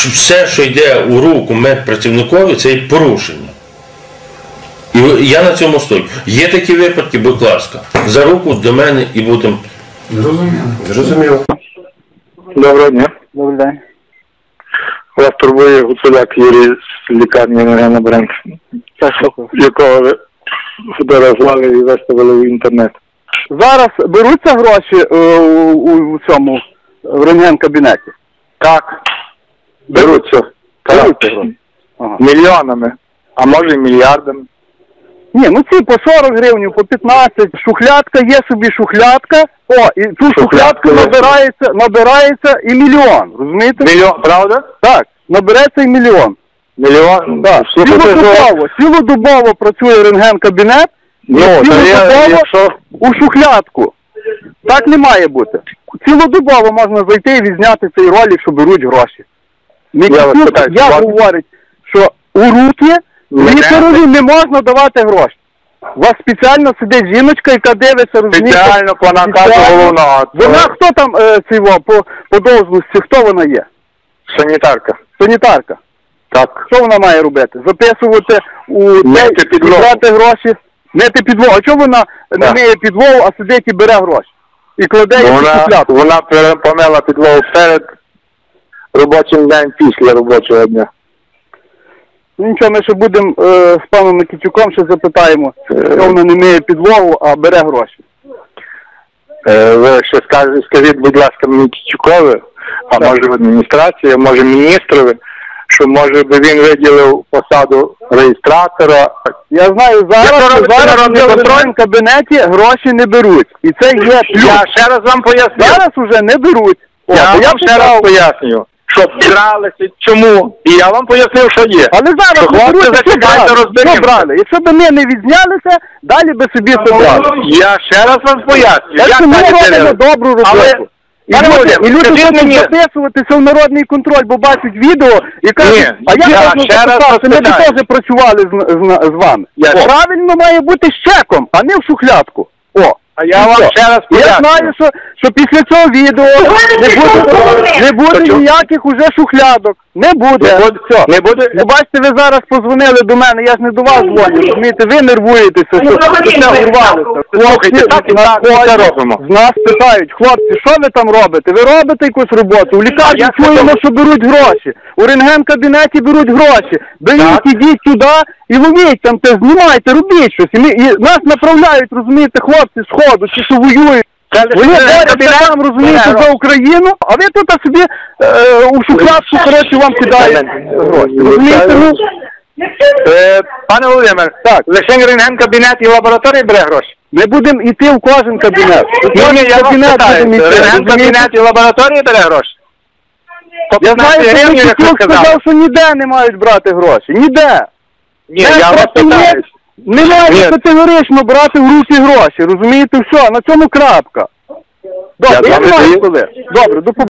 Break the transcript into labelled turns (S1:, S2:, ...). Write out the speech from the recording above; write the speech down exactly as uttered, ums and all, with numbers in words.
S1: все, що йде у руку медпрацівникові, це є порушення. І я на цьому стою. Є такі випадки, будь ласка, за руку до мене і будемо...
S2: Зрозуміло.
S3: Зрозуміло. Доброго дня.
S4: Добрий день.
S3: Вас турбує Гуцуляк Юрій з лікарні Енергена Бренд, якого ви фотографували і виставили в інтернет.
S4: Зараз беруться гроші е, у, у цьому в рентген-кабінеті?
S3: Так. Беруться.
S4: Беруться гроші. Ага.
S3: Мільйонами, а може і мільярдами.
S4: Ні, ну ці по сорок гривень, по п'ятнадцять. Шухлядка, є собі шухлядка. О, і ту шухлядку набирається, набирається і мільйон, розумієте?
S3: Мільйон, правда?
S4: Так, набереться і мільйон.
S3: Мільйон?
S4: Так, цілодобово, цілодобово працює рентген-кабінет,
S3: ну,
S4: цілодобово
S3: якщо...
S4: у шухлядку. Так не має бути. Цілодобово можна зайти і відзняти цей ролик, що беруть гроші. Медицинська я говорить, що у руки лікареві не можна давати гроші. У вас спеціально сидить жіночка, яка дивиться, розумієте?
S3: Спеціально по наказу головного.
S4: Вона хто там е, цього, по, по должності, хто вона є?
S3: Санітарка.
S4: Санітарка.
S3: Так.
S4: Що вона має робити? Записувати у
S3: мити підлогу.
S4: брати гроші, мити підлогу. А чого вона так. не миє підлогу, а сидить і бере гроші? І кладе їх у шухлядку?
S3: Вона помила підлогу перед робочим днем, після робочого дня.
S4: Ну нічого, ми ще будемо е, з паном Микитюком ще запитаємо, що вона не миє підлогу, а бере гроші.
S3: Е, ви ще скажіть, скажіть, будь ласка, Микитюкові, а так. може в адміністрації, а може міністрові, що може би він виділив посаду реєстратора.
S4: Я знаю, зараз, зараз в контрольному кабінеті гроші не беруть. І це є плюс.
S3: Я ще раз вам поясню.
S4: Зараз уже не беруть. О,
S3: я, я вам ще раз поясню, що вкралися, чому. І я вам пояснив, що є.
S4: Але зараз
S3: що
S4: не беруть, що брали. Що брали? Якщо б ми не відзнялися, далі би собі це брали.
S3: Я ще раз вам поясню.
S4: Так що ми робимо добру роботу. Але... І
S3: Пане
S4: люди, і люди хочуть мені... записуватися в народний контроль, бо бачать відео і кажуть, Ні, а я, я можна записати, ми б теж працювали з, з, з вами. Я правильно має бути з чеком, а не в шухлядку. О,
S3: а я вам ще раз поясню.
S4: Я знаю, що, що після цього відео не буде, не буде ніяких уже шухлядок. Не буде.
S3: Не буде.
S4: Все.
S3: Не буде.
S4: Ви бачите, ви зараз позвонили до мене, я ж не до вас дзвоню, розумієте, ви нервуєтеся, що це урвалося.
S3: Слухайте, так і так це робимо.
S4: З нас питають, хлопці, що ви там робите? Ви робите якусь роботу? У лікарні чуємо, що беруть гроші. У рентген-кабінеті беруть гроші. Беріть, ідіть туди і ловіть там, те, знімайте, робіть щось. І, ми, і нас направляють, розумієте, хлопці з ходу, чи що воюють. Вони борються там, розумієте, за Україну, а ви тут собі е, у шухлядку, коротше, вам кидають гроші. Розумієте, ну?
S3: Е, пане Володимир, так, лише рентген-кабінет і лабораторія бере гроші?
S4: Ми будемо йти в кожен кабінет.
S3: Ні, ні, я вас питаю, рентген-кабінет і лабораторія бере гроші?
S4: Я знаю, що Микитюк сказав, що ніде не мають брати гроші. Ніде.
S3: Ні, я вас питаю.
S4: Не мають категорично брати в руки гроші, розумієте, все, на цьому крапка. Добре, я не маю коли. Добре, до побачення.